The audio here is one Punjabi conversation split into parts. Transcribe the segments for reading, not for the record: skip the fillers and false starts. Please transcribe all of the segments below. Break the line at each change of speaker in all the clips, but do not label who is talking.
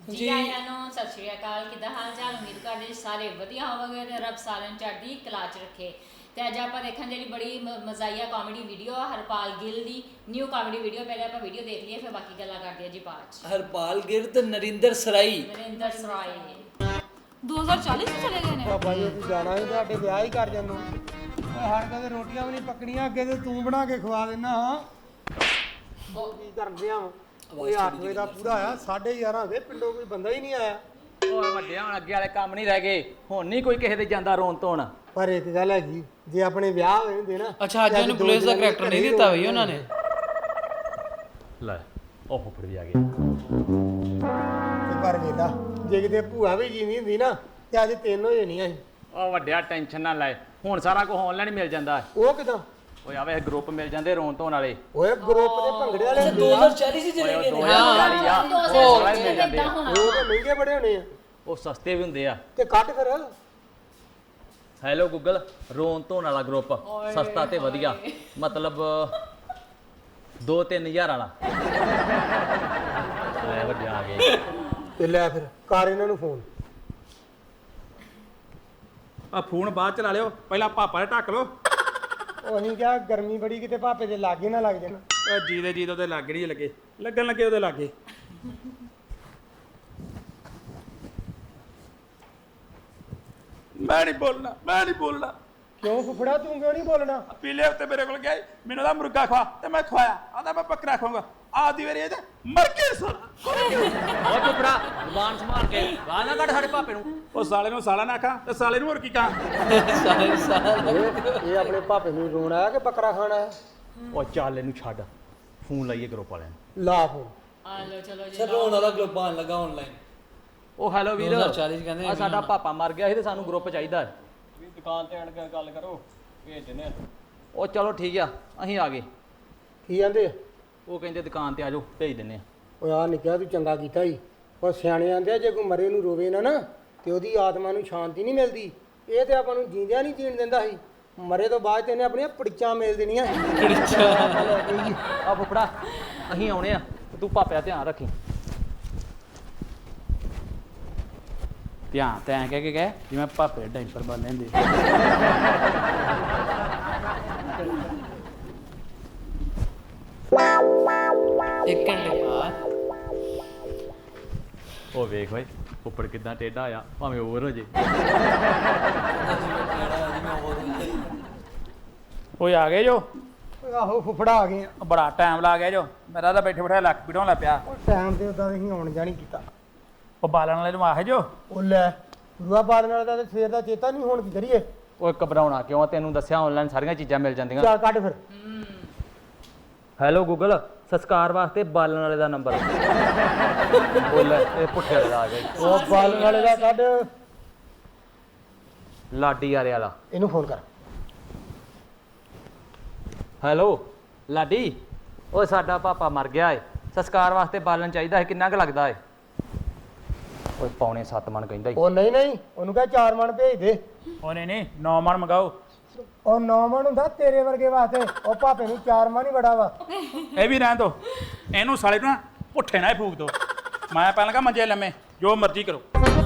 ਜੀ ਆਇਆਂ ਨੂੰ ਸਤਿ ਸ਼੍ਰੀ ਅਕਾਲ। ਕਿੱਦਾਂ ਹਾਲ ਚਾਲ? ਉਮੀਦ ਕਰਦੇ ਸਾਰੇ ਵਧੀਆ ਹੋਵੋਗੇ ਤੇ ਰੱਬ ਸਾਰਿਆਂ ਨੂੰ ਚੜ੍ਹਦੀ ਕਲਾ 'ਚ ਰੱਖੇ। ਤੇ ਅੱਜ ਆਪਾਂ ਦੇਖਣ ਜਿਹੜੀ ਬੜੀ ਮਜ਼ਾਈਆ ਕਾਮੇਡੀ ਵੀਡੀਓ ਆ ਹਰਪਾਲ ਗਿੱਲ ਦੀ ਨਿਊ ਕਾਮੇਡੀ ਵੀਡੀਓ। ਪਹਿਲੇ ਆਪਾਂ ਵੀਡੀਓ ਦੇਖ ਲਈਏ ਫਿਰ ਬਾਕੀ ਗੱਲਾਂ ਕਰਦੇ ਆ ਜੀ ਬਾਅਦ 'ਚ।
ਹਰਪਾਲ ਗਿੱਲ ਤੇ ਨਰਿੰਦਰ ਸਰਾਈ
2040 ਚ ਚਲੇ ਗਏ ਨੇ।
ਬਾਬਾ ਜੀ ਤੂੰ ਜਾਣਾ ਹੀ ਤੁਹਾਡੇ ਵਿਆਹ ਹੀ ਕਰ ਜਾਂਦੇ ਸਾਡੇ ਕੋਲ ਰੋਟੀਆਂ ਵੀ ਨਹੀਂ ਪੱਕਣੀਆਂ, ਅੱਗੇ ਤੇ ਤੂੰ ਬਣਾ ਕੇ ਖਵਾ ਦੇਣਾ। ਹਾਂ ਕੀ ਕਰਦੇ ਆ ਓਏ 8 ਵਜੇ ਦਾ ਪੂਰਾ ਆਇਆ, 11:30 ਹੋ ਗਏ, ਪਿੰਡੋਂ ਕੋਈ ਬੰਦਾ ਹੀ ਨਹੀਂ ਆਇਆ।
ਓਏ ਵੱਡਿਆ ਹੁਣ ਅੱਗੇ ਵਾਲੇ ਕੰਮ ਨਹੀਂ ਰਹਿ ਗਏ, ਹੁਣ ਨਹੀਂ ਕੋਈ ਕਿਸੇ ਦੇ ਜਾਂਦਾ ਰੋਣ ਧੋਣ।
ਪਰ ਇੱਕ ਗੱਲ ਹੈਗੀ, ਜੇ ਆਪਣੇ ਵਿਆਹ ਹੋਏ ਹੁੰਦੇ ਨਾ।
ਅੱਛਾ ਅੱਜ ਉਹਨੂੰ ਪੁਲਿਸ ਦਾ ਕਰੈਕਟਰ ਨਹੀਂ ਦਿੱਤਾ ਬਈ ਉਹਨਾਂ ਨੇ।
ਲੈ ਉਹ ਫੁੱਫੜ ਵੀ ਆ ਗਏ।
ਤੇ ਪਰ ਵੇਲਾ ਜੇ ਕਿਤੇ ਭੂਆ ਵੀ ਜੀਵੀ ਹੁੰਦੀ ਨਾ ਤੇ ਅੱਜ 3 ਹੋ ਜਾਣੀਆਂ ਸੀ।
ਉਹ ਵੱਡਿਆ ਟੈਨਸ਼ਨ ਨਾ ਲੈ, ਹੁਣ ਸਾਰਾ ਕੁਝ ਆਨਲਾਈਨ ਮਿਲ ਜਾਂਦਾ।
ਉਹ ਕਿਦਾਂ?
ਓਏ ਆਵੇ ਗਰੁੱਪ ਮਿਲ ਜਾਂਦੇ ਰੋਣ ਧੋਣ ਵਾਲੇ।
ਓਏ ਗਰੁੱਪ ਦੇ ਭੰਗੜੇ ਵਾਲੇ
2040 ਚ ਚਲੇ ਗਏ ਨੇ।
2040 ਆ, ਉਹ ਆਨਲਾਈਨ ਮਿਲ ਜਾਂਦੇ ਆ।
ਉਹ ਤਾਂ ਮਹਿੰਗੇ ਬੜੇ ਹੋਣੇ ਆ
ਉਹ ਸਸਤੇ ਵੀ ਹੁੰਦੇ ਆ।
ਤੇ ਕੱਟ ਫਿਰ।
ਹੈਲੋ ਗੂਗਲ, ਰੋਣ ਧੋਣ ਵਾਲਾ ਗਰੁੱਪ ਸਸਤਾ ਤੇ ਵਧੀਆ, ਮਤਲਬ 2-3 ਹਜ਼ਾਰ ਵਾਲਾ। ਲੈ ਵੱਡਿਆ ਆ ਗਏ।
ਤੇ ਲੈ ਫਿਰ ਕਰ ਇਹਨਾਂ ਨੂੰ ਫੋਨ।
ਆ ਫੋਨ ਬਾਅਦ ਚ ਲਾ ਲਿਓ, ਪਹਿਲਾਂ ਪਾਪਾ ਦੇ ਢੱਕ ਲਓ।
ਉਹ ਅਸੀਂ ਕਿਹਾ ਗਰਮੀ ਬੜੀ, ਕਿਤੇ ਭਾਪੇ ਦੇ ਲਾਗੇ ਨਾ ਲੱਗ ਜਾਣ।
ਜੀ ਦੇ ਉਹਦੇ ਲਾਗੇ ਨਹੀਂ ਲੱਗੇ, ਲੱਗਣ ਲੱਗੇ ਉਹਦੇ ਲਾਗੇ। ਮੈਂ ਨਹੀਂ ਬੋਲਣਾ।
ਕਿਉਂ ਫੁੱਫੜਾ ਤੂੰ ਕਿਉਂ ਨਹੀਂ ਬੋਲਣਾ?
ਪਿਛਲੇ ਹਫਤੇ ਮੇਰੇ ਕੋਲ ਗਿਆ ਮੈਨੂੰ ਦਾ ਮੁਰਗਾ ਖਵਾ ਤੇ ਮੈਂ ਖਵਾਇਆ, ਆਂਦਾ ਮੈਂ ਬੱਕਰਾ ਖਾਊਂਗਾ। ਆਦੀ ਵਾਰੀ ਇਹ ਮਰ ਕੇ ਸਾਲਾ।
ਓਏ ਫੁੱਫੜਾ ਜ਼ੁਬਾਨ ਸੰਭਾਲ ਕੇ ਗਾਲ ਨਾ ਕੱਢ ਸਾਡੇ ਪਾਪੇ ਨੂੰ।
ਉਹ ਸਾਲੇ ਨੂੰ ਸਾਲਾ ਨਾ ਖਾ ਤੇ ਸਾਲੇ ਨੂੰ ਹੋਰ ਕੀ ਕਹਾਂ।
ਇਹ ਆਪਣੇ ਭਾਪੇ ਨੂੰ ਰੋਣ ਆਇਆ ਕਿ ਬੱਕਰਾ ਖਾਣਾ ਹੈ?
ਉਹ ਚੱਲ ਇਹਨੂੰ ਛੱਡ, ਫੋਨ ਲਾਈਏ ਗਰੁੱਪ ਵਾਲਿਆਂ ਨੂੰ।
ਲਾ ਫੋਨ।
ਆ ਲੋ ਚਲੋ ਜੀ।
ਚਲੋ ਉਹਨਾਂ ਦਾ ਗਰੁੱਪ ਆਣ ਲੱਗਾ ਆਨਲਾਈਨ।
ਉਹ ਹੈਲੋ ਵੀਰ,
2040 ਕਹਿੰਦੇ
ਆ ਸਾਡਾ ਪਾਪਾ ਮਰ ਗਿਆ ਸੀ ਤੇ ਸਾਨੂੰ ਗਰੁੱਪ ਚਾਹੀਦਾ ਹੈ।
ਦੁਕਾਨ ਤੇ ਆਣ ਕੇ ਗੱਲ ਕਰੋ, ਭੇਜ ਦਿੰਦੇ।
ਉਹ ਚਲੋ ਠੀਕ ਆ, ਅਸੀਂ ਆ ਗਏ।
ਕੀ ਕਹਿੰਦੇ?
ਉਹ ਕਹਿੰਦੇ ਦੁਕਾਨ ਤੇ ਆ ਜਾਓ, ਭੇਜ ਦਿੰਦੇ ਆ।
ਓਏ ਆ ਨਿੱਕਿਆ ਤੂੰ ਚੰਗਾ ਕੀਤਾ ਸੀ। ਉਹ ਸਿਆਣੇ ਆਂਦੇ ਆ ਜੇ ਕੋਈ ਮਰੇ ਨੂੰ ਰੋਵੇ ਨਾ ਤੇ ਉਹਦੀ ਆਤਮਾ ਨੂੰ ਸ਼ਾਂਤੀ ਨਹੀਂ ਮਿਲਦੀ। ਇਹ ਤੇ ਆਪਾਂ ਨੂੰ ਜੀਂਦਿਆਂ ਨਹੀਂ ਜੀਣ ਦਿੰਦਾ ਸੀ, ਮਰੇ ਤੋਂ ਬਾਅਦ ਤੇ ਇਹਨੇ ਆਪਣੀਆਂ ਪੜੀਚਾਂ ਮੇਲ ਦੇਣੀਆਂ।
ਆ ਫੁੱਫੜਾ ਅਸੀਂ ਆਉਣੇ ਆ, ਤੂੰ ਪਾਪੇ ਦਾ ਧਿਆਨ ਰੱਖੀ। ਧਿਆਨ ਤੈਂ ਕਹਿ ਕੇ ਗਏ ਜਿਵੇਂ ਪਾਪੇ ਡਾਈਪਰ ਬੰਨ ਲੈਂਦੇ।
ਇੱਕ ਘੰਟੇ ਬਾਅਦ
ਉਹ ਵੇਖ ਓਏ ਉੱਪਰ ਕਿਦਾਂ ਟੇਢਾ ਆ, ਭਾਵੇਂ ਓਵਰ ਹੋ ਜੇ।
ਓਏ ਆ ਗਏ ਜੋ?
ਓਏ ਆਹੋ ਫੁੱਫੜਾ ਆ ਗਏ ਆ।
ਬੜਾ ਟਾਈਮ ਲਾ ਗਿਆ ਜੋ, ਮੇਰਾ ਤਾਂ ਬੈਠੇ ਬਿਠਾਏ ਲੱਕ ਪੀੜੋਂ ਲੱਗ ਪਿਆ।
ਉਹ ਟਾਈਮ ਤੇ ਉਦਾਂ ਅਸੀਂ ਆਉਣ ਜਾਣੀ ਕੀਤਾ।
ਉਹ ਬਾਲਣ ਵਾਲੇ ਨੂੰ ਆਹੇ ਜੋ।
ਉਹ ਲੈ ਗੁਰੂਆ ਬਾਲਣ ਵਾਲੇ ਦਾ ਤੇ ਸਵੇਰ ਦਾ ਚੇਤਾ ਨਹੀਂ, ਹੁਣ ਕੀ ਕਰੀਏ?
ਓਏ ਘਬਰਾਉਣਾ ਕਿਉਂ, ਤੈਨੂੰ ਦੱਸਿਆ ਆਨਲਾਈਨ ਸਾਰੀਆਂ ਚੀਜ਼ਾਂ ਮਿਲ ਜਾਂਦੀਆਂ।
ਚੱਲ ਕੱਢ ਫਿਰ।
ਹੈਲੋ ਗੂਗਲ, ਸੰਸਕਾਰ ਵਾਸਤੇ ਬਾਲਣ ਵਾਲੇ ਦਾ ਨੰਬਰ ਬੋਲ। ਇਹ ਪੁੱਠੇ ਵਾਲੇ ਦਾ ਆ ਗਿਆ।
ਉਹ ਬਾਲਣ ਵਾਲੇ ਦਾ ਕੱਢ।
ਲਾਡੀ ਆਰੇ ਵਾਲਾ।
ਇਹਨੂੰ ਫੋਨ ਕਰ।
ਹੈਲੋ ਲਾਡੀ, ਓਏ ਸਾਡਾ ਪਾਪਾ ਮਰ ਗਿਆ ਏ, ਸੰਸਕਾਰ ਵਾਸਤੇ ਬਾਲਣ ਚਾਹੀਦਾ ਹੈ, ਕਿੰਨਾ ਕੁ ਲੱਗਦਾ ਏ? ਓਏ 6.25 ਮਣ ਕਹਿੰਦਾ ਈ।
ਉਹ ਨਹੀਂ, ਉਹਨੂੰ ਕਹ 4 ਮਣ ਭੇਜ ਦੇ।
ਉਹ ਨਹੀਂ 9 ਮਣ ਮੰਗਾਓ।
ਉਹ 9 ਮਣ ਹੁੰਦਾ ਤੇਰੇ ਵਰਗੇ ਵਾਸਤੇ, ਉਹ ਭਾਪੇ ਨੂੰ 4 ਮਣ ਹੀ ਬੜਾ ਵਾ।
ਇਹ ਵੀ ਰਹਿਣ ਦੋ, ਇਹਨੂੰ ਸਾਲੇ ਨੂੰ ਨਾ ਪੁੱਠੇ ਨਾ ਹੀ ਫੂਕ ਦੋ। ਮੈਂ ਪਹਿਲਾਂ ਕਹਾਂ ਮੰਜੇ ਲੰਮੇ, ਜੋ ਮਰਜ਼ੀ ਕਰੋ।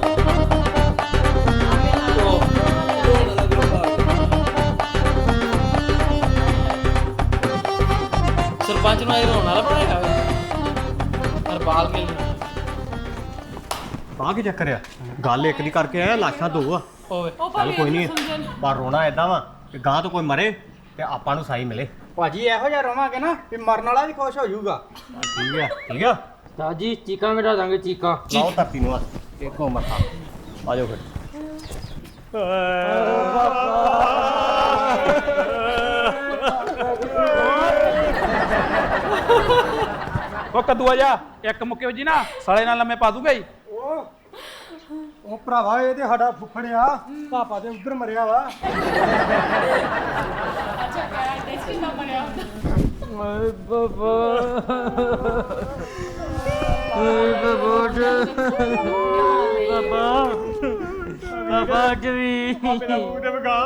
ਸਰਪੰਚ ਨੂੰ ਇਹ ਰੋਣ ਵਾਲਾ ਬਣਾਇਆ ਹੋਇਆ ਹਰਪਾਲ ਗਿੱਲ ਨੂੰ।
ਆ ਕੀ ਚੱਕਰ ਆ? ਗੱਲ ਇੱਕ ਦੀ ਕਰਕੇ ਆਇਆ, ਲਾਸ਼ਾਂ 2 ਆ।
ਓਏ
ਚੱਲ ਕੋਈ ਨਹੀਂ, ਪਰ ਰੋਣਾ ਏਦਾਂ ਵਾ ਕਿ ਗਾਂ ਤੋਂ ਕੋਈ ਮਰੇ ਤੇ ਆਪਾਂ ਨੂੰ ਸਾਈ ਮਿਲੇ।
ਭਾਜੀ ਇਹੋ ਜਿਹਾ ਰਵਾਂਗੇ ਨਾ ਵੀ ਮਰਨ ਵਾਲਾ ਵੀ ਖੁਸ਼ ਹੋ ਜਾਊਗਾ।
ਠੀਕ ਆ
ਸਾਜੀ ਚੀਕਾਂ ਮਿਟਾ ਦਾਂਗੇ, ਚੀਕਾਂ।
ਲਾਓ ਧਰਤੀ ਨੂੰ ਇੱਕੋ ਮੱਥਾ। ਆ ਜਾਓ ਫਿਰ।
ਉਹ ਕੱਦੂਆ ਜਾ ਇੱਕ ਮੁੱਕੇ ਵਜੀ ਨਾ ਸਾਲੇ ਨਾਲ ਲੰਮੇ ਪਾ ਦੂੰਗਾ ਜੀ।
ਉਹ ਭਰਾਵਾ ਇਹ ਤੇ ਸਾਡਾ ਫੁੱਫੜਿਆ, ਪਾਪਾ ਤੇ ਉਧਰ ਮਰਿਆ ਵਾ।
ਅੱਛਾ ਕਿਹੜਾ ਟੈਸਟ ਨਾ ਬਣਿਆ ਹੁੰਦਾ।
ਓਏ ਬਾਬਾ, ਓਏ ਬਾਬਾ, ਬਾਬਾ ਜੀ
ਮੇਰਾ ਮੂੰਹ ਤੇ ਵਗਾ।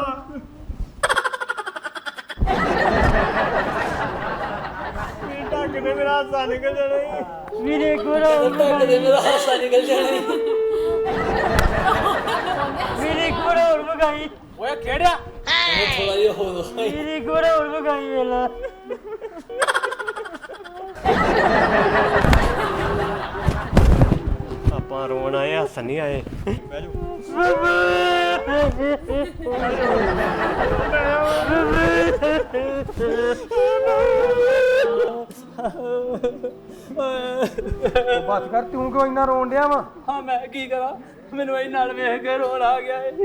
ਢੱਕ ਦੇ, ਮੇਰਾ ਹਾਸਾ ਨਿਕਲ ਜਾਣਾ।
ਮੇਰੇ ਕੋਲ ਹੋਰ
ਕਦੇ ਮੇਰਾ ਹਾਸਾ ਨਿਕਲ ਜਾਣਾ
ਮੇਰੇ ਕੋਲ ਹੋਰ ਮਗਾਈ
ਓਏ ਖੇੜਿਆ
ਥੋੜਾ ਜਿਹਾ ਹੋਰ
ਮੇਰੇ ਕੋਲ ਹੋਰ ਮਗਾਈ ਵੇਲਾ
ਆਪਾਂ ਰੋਣ ਆਏ ਹੱਸਣ ਨਹੀਂ ਆਏ ਬਹਿ ਜਾਓ
ਉਹ ਬਸ ਕਰ ਤੂੰ ਕਿਉਂ ਇੰਨਾ ਰੋਣ ਡਿਆ ਵਾ
ਹਾਂ ਮੈਂ ਕੀ ਕਰਾਂ ਮੈਨੂੰ ਇਹ ਨਾਲ ਵੇਖ ਕੇ ਰੋਣ ਆ ਗਿਆ ਏ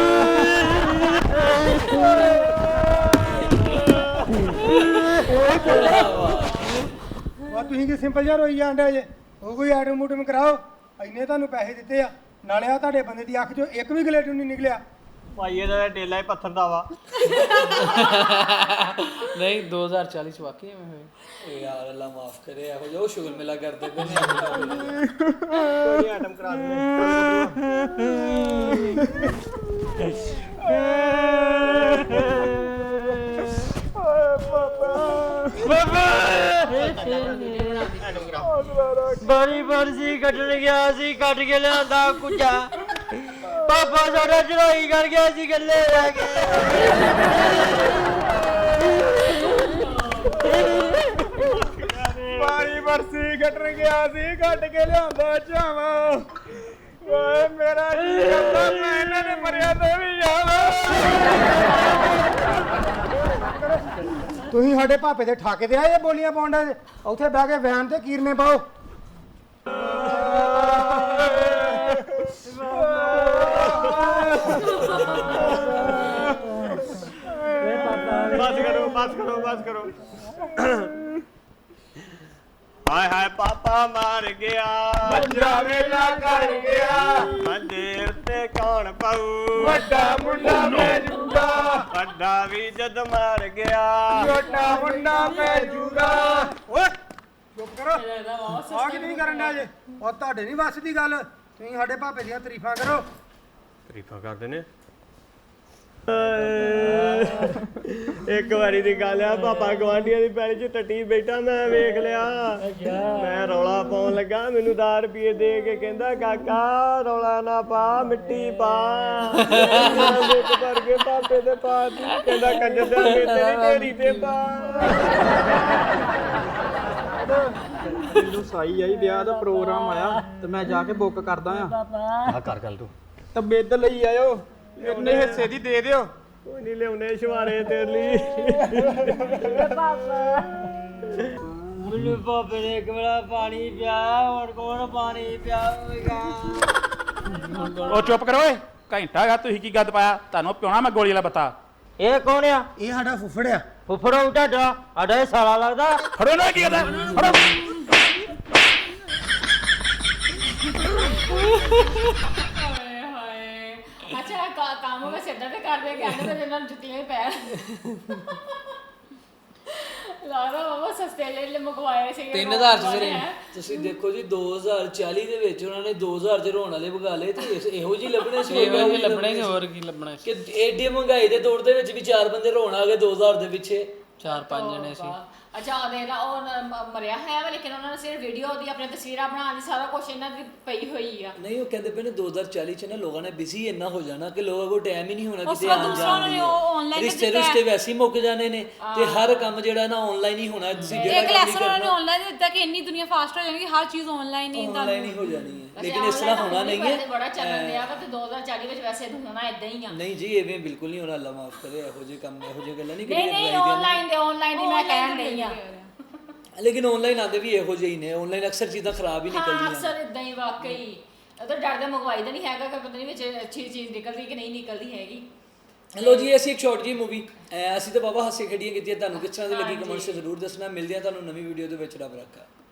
ਵਾ ਤੁਸੀਂ ਕਿ ਸਿੰਪਲ ਜਿਹਾ ਰੋਈ ਜਾਂਦੇ ਜੇ ਉਹ ਕੋਈ ਆਟਮ ਮੂਟਮ ਕਰਾਓ ਇੰਨੇ ਤੁਹਾਨੂੰ ਪੈਸੇ ਦਿੱਤੇ ਆ ਨਾਲੇ ਆ ਤੁਹਾਡੇ ਬੰਦੇ ਦੀ ਅੱਖ ਚੋਂ ਇੱਕ ਵੀ ਗਲੇਟੂ ਨਹੀਂ ਨਿਕਲਿਆ
ਭਾਈ ਇਹਦਾ ਡੇਲਾ ਹੀ ਪੱਥਰ ਦਾ ਵਾ
ਨਹੀਂ 2040 ਚ ਵਾਕਈ ਐਵੇਂ ਹੋਏ
ਯਾਰ ਅੱਲਾ ਮਾਫ ਕਰੇ ਇਹੋ ਜਿਹਾ ਸ਼ੁਗਰ ਮਿਲਾ ਕਰਦੇ ਪਏ ਨੇ
ਕੋਈ ਆਟਮ ਕਰਾ
ਬੜੀ ਬਰਸੀ ਕੱਟਣ ਗਿਆ ਸੀ ਕੱਟ ਕੇ ਲਿਆਂਦਾ ਕੁੱਜਾ ਪਾਪਾ ਸਾਡਾ ਚੜਾਈ ਕਰ ਗਿਆ ਸੀ ਗੱਲੇ ਰਹਿ
ਮਾਰੀ ਵਰਸੀ ਕੱਟਣ ਗਿਆ ਸੀ ਕੱਟ ਕੇ ਲਿਆਂਦਾ ਚਾਵਾ ਓਏ ਮੇਰਾ ਜੀ ਕਰਦਾ ਮੈਂ ਇਹਨਾਂ ਦੇ ਮਰਿਆ ਤੇ ਵੀ ਜਾਵਾਂ
ਤੁਸੀਂ ਸਾਡੇ ਭਾਪੇ ਦੇ ਠਾਕੇ ਤੇ ਆਏ ਬੋਲੀਆਂ ਪਾਉਂਦੇ ਉੱਥੇ ਬਹਿ ਕੇ ਵੈਨ ਤੇ ਕੀਰਨੇ ਪਾਓ
ਬਸ ਕਰੋ ਹਾਏ ਹਾਏ ਪਾਪਾ ਮਾਰ ਗਿਆ
ਬੱਚਾ ਵੇਲਾ ਕਰ ਗਿਆ
ਮੰਦੇ ਉੱਤੇ ਕੌਣ ਪਾਊ
ਵੱਡਾ ਮੁੰਡਾ ਮੈਂ ਜੂਗਾ
ਵੱਡਾ ਵੀ ਜਦ ਮਾਰ ਗਿਆ
ਛੋਟਾ ਮੁੰਡਾ ਮੈਂ ਜੂਗਾ
ਓਏ ਚੁੱਪ ਕਰੋ ਆਹ ਕੀ ਨਹੀਂ ਕਰਨ ਡਿਆ ਜੇ ਉਹ ਤੁਹਾਡੇ ਨਹੀਂ ਵੱਸ ਦੀ ਗੱਲ ਤੁਸੀਂ ਸਾਡੇ ਭਾਪੇ ਦੀਆਂ ਤਾਰੀਫਾਂ ਕਰੋ
ਤਾਰੀਫਾਂ ਕਰਦੇ ਨੇ ਇੱਕ ਵਾਰੀ ਦੀ ਗੱਲ ਆ ਪਾਪਾ ਗਵਾਂਢੀਆਂ ਦੀ ਪੈਲੀ 'ਚ ਟੱਟੀ ਬੈਠਾ ਮੈਂ ਵੇਖ ਲਿਆ ਮੈਂ ਰੌਲਾ ਪਾਉਣ ਲੱਗਾ ਮੈਨੂੰ 10 ਰੁਪਏ ਦੇ ਕੇ ਕਹਿੰਦਾ ਕਾਕਾ ਰੌਲਾ ਨਾ ਪਾ ਮਿੱਟੀ ਪਾ ਵਿੱਚ ਭਰ ਕੇ ਪਾਪੇ ਦੇ ਪਾ ਦਿੱਤੀ ਕਹਿੰਦਾ ਕੰਜਰ ਦੇ ਤੇਰੀ ਢੇਰੀ ਤੇ ਪਾ
ਮੈਨੂੰ ਸਾਈ ਆਈ ਵਿਆਹ ਦਾ ਪ੍ਰੋਗਰਾਮ ਆਇਆ ਤੇ ਮੈਂ ਜਾ ਕੇ ਬੁੱਕ ਕਰਦਾ ਆ
ਆ ਕਰ ਗੱਲ ਤੂੰ
ਤਾਂ ਬਿੱਦ ਲਈ ਆਇਓ ਇੰਨੇ ਹਿੱਸੇ ਦੀ ਦੇ ਦਿਓ
ਕੋਈ ਨਹੀਂ ਲਿਆਉਣੇ ਸ਼ਵਾਰੇ ਤੇਰੇ ਲਈ
ਮੈਨੂੰ ਪਾਪੇ ਨੇ ਇੱਕ ਵੇਲਾ ਪਾਣੀ ਪਿਆ ਹੁਣ ਕੌਣ ਪਾਣੀ ਪਿਆਵੇਗਾ
ਉਹ ਚੁੱਪ ਕਰੋ ਓਏ ਘੰਟਾ ਗਾ ਤੁਸੀਂ ਕੀ ਗੱਦ ਪਾਇਆ ਤੁਹਾਨੂੰ ਪਿਉਣਾ ਮੈਂ ਗੋਲੀ ਵਾਲਾ ਬੱਤਾ
ਇਹ ਕੌਣ ਆ
ਇਹ ਸਾਡਾ ਫੁੱਫੜ ਆ
ਫੁੱਫੜਾ ਤੁਹਾਡਾ ਸਾਡਾ ਇਹ ਸਾਲਾ ਲੱਗਦਾ
ਫੜੋ ਨਾ ਕੀ ਕਰਦਾ ਫੜੋ
ਹਾਏ ਹਾਏ ਅੱਛਾ ਕੰਮ ਮੈਂ ਸਿੱਧਾ ਤੇ ਕਰਦੇ ਕਹਿੰਦੇ ਤੇ ਇਹਨਾਂ ਨੂੰ ਜੁੱਤੀਆਂ ਹੀ ਪੈ ਲੱਗਦਾ ਬਾਬਾ ਸਸਤੇ ਲੈ ਮੰਗਵਾਏ ਸੀ
3000 ਚ ਫਿਰ ਤੁਸੀਂ ਦੇਖੋ ਜੀ 2040 ਦੇ ਵਿੱਚ ਉਹਨਾਂ ਨੇ 2000 ਚ ਰੋਣ ਵਾਲੇ ਵਗਾ ਲਏ ਤੇ ਇਹੋ ਜਿਹੀ ਲੱਭਣੇ ਸੀ
ਇਹੋ ਜਿਹੇ ਲੱਭਣੇ ਸੀ ਹੋਰ ਕੀ ਲੱਭਣਾ ਸੀ
ਕਿ ਏਡੀ ਮਹਿੰਗਾਈ ਦੇ ਦੌਰ ਦੇ ਵਿੱਚ ਵੀ 4 ਬੰਦੇ ਰੋਣ ਆ ਗਏ 2000 ਦੇ ਪਿੱਛੇ
4-5 ਜਣੇ ਸੀ
ਅੱਛਾ ਉਹਦੇ ਨਾਲ ਉਹ ਮਰਿਆ ਹੈ ਵਾ ਲੇਕਿਨ ਉਹਨਾਂ ਨੇ ਸਿਰਫ ਵੀਡੀਓ ਦੀ ਆਪਣੀ ਤਸਵੀਰਾਂ ਬਣਾਉਣ ਦੀ ਸਾਰਾ ਕੁਝ ਇਹਨਾਂ ਦੀ ਪਈ ਹੋਈ ਆ
ਨਹੀਂ ਉਹ ਕਹਿੰਦੇ ਪਏ ਨੇ 2040 ਚ ਨਾ ਲੋਕਾਂ ਨੇ ਬਿਜ਼ੀ ਇੰਨਾ ਹੋ ਜਾਣਾ ਕਿ ਲੋਕਾਂ ਕੋਲ ਟਾਈਮ ਹੀ ਨਹੀਂ ਹੋਣਾ
ਉਸ
ਕਿਤੇ
ਤੋਂ
ਆਉਣ
ਦੂਸਰਾ
ਜਾਣ
ਉਹਨਾਂ ਨੇ
ਦੀ
ਉਹ online
ਰਿਸ਼ਤੇ
ਦਿੱਤਾ
ਰਿਸ਼ਤੇ ਵੈਸੇ ਹੀ ਮੁੱਕ ਜਾਣੇ ਨੇ ਤੇ ਹਰ ਕੰਮ ਜਿਹੜਾ ਨਾ ਆਨਲਾਈਨ ਹੀ ਹੋਣਾ ਤੁਸੀਂ ਜਿਹੜਾ
ਇੱਕ
ਕੰਮ
ਲੈਸਨ ਉਹਨਾਂ ਨੇ ਆਨਲਾਈਨ ਦਿੱਤਾ ਕਿ ਇੰਨੀ ਦੁਨੀਆ ਫਾਸਟ ਹੋ ਜਾਣੀ ਹਰ ਚੀਜ਼ ਆਨਲਾਈਨ ਹੀ
ਆਨਲਾਈਨ ਹੀ ਹੋ ਜਾਣੀ ਹੈ ਲੇਕਿਨ ਇਸ ਤਰ੍ਹਾਂ ਹੋਣਾ ਨਹੀਂ ਹੈ
ਬੜਾ ਚੱਲਣ ਦਿਆ ਵਾ ਤੇ 2040 ਵਿੱਚ ਵੈਸੇ ਹੋਣਾ ਇਦਾਂ ਹੀ ਆ
ਨਹੀਂ ਜੀ ਐਵੇਂ ਬਿਲਕੁਲ ਨਹੀਂ ਹੋਣਾ ਅੱਲਾ ਮਾਫ ਕਰੇ ਇਹੋ ਜਿਹੇ ਕੰਮ ਇਹੋ ਜਿਹੇ ਗੱਲਾਂ ਨਹੀਂ
ਨਹੀਂ ਨਹੀਂ ਆਨਲਾਈਨ ਦੀ ਮੈਂ ਕਹਿਣ ਨਹੀਂ ਆ
ਲੇਕਿਨ ਆਨਲਾਈਨ ਆਦੇ ਵੀ ਇਹੋ ਜਿਹੇ ਹੀ ਨੇ ਆਨਲਾਈਨ ਅਕਸਰ ਚੀਜ਼ਾਂ ਖਰਾਬ ਹੀ
ਹਾਂ
ਨਿਕਲਦੀਆਂ
ਅਕਸਰ ਇਦਾਂ ਹੀ ਵਾਕਈ ਉਹ ਤਾਂ ਡਰਦਾ ਮੰਗਵਾਈ ਦਾ ਨਹੀਂ ਹੈਗਾ ਕਿ ਪਤਾ ਨਹੀਂ ਵਿੱਚ ਅੱਛੀ ਚੀਜ਼ ਨਿਕਲਦੀ ਕਿ ਨਹੀਂ ਨਿਕਲਦੀ ਹੈਗੀ
ਲੋ ਜੀ ਅਸੀਂ ਇੱਕ ਸ਼ਾਰਟ ਜੀ ਮੂਵੀ ਅਸੀਂ ਤਾਂ ਬਾਬਾ ਹਾਸੇ ਖੇਡੀਆਂ ਕੀਤੀਆਂ ਤੁਹਾਨੂੰ ਕਿਸ ਤਰ੍ਹਾਂ ਦੀ ਲੱਗੀ ਕਮੈਂਟਸ 'ਚ ਜ਼ਰੂਰ ਦੱਸਣਾ ਮਿਲਦੇ ਆ ਤੁਹਾਨੂੰ ਨਵੀਂ ਵੀਡੀਓ ਦੇ ਵਿੱਚ ਰੱਬ ਰੱਖਾ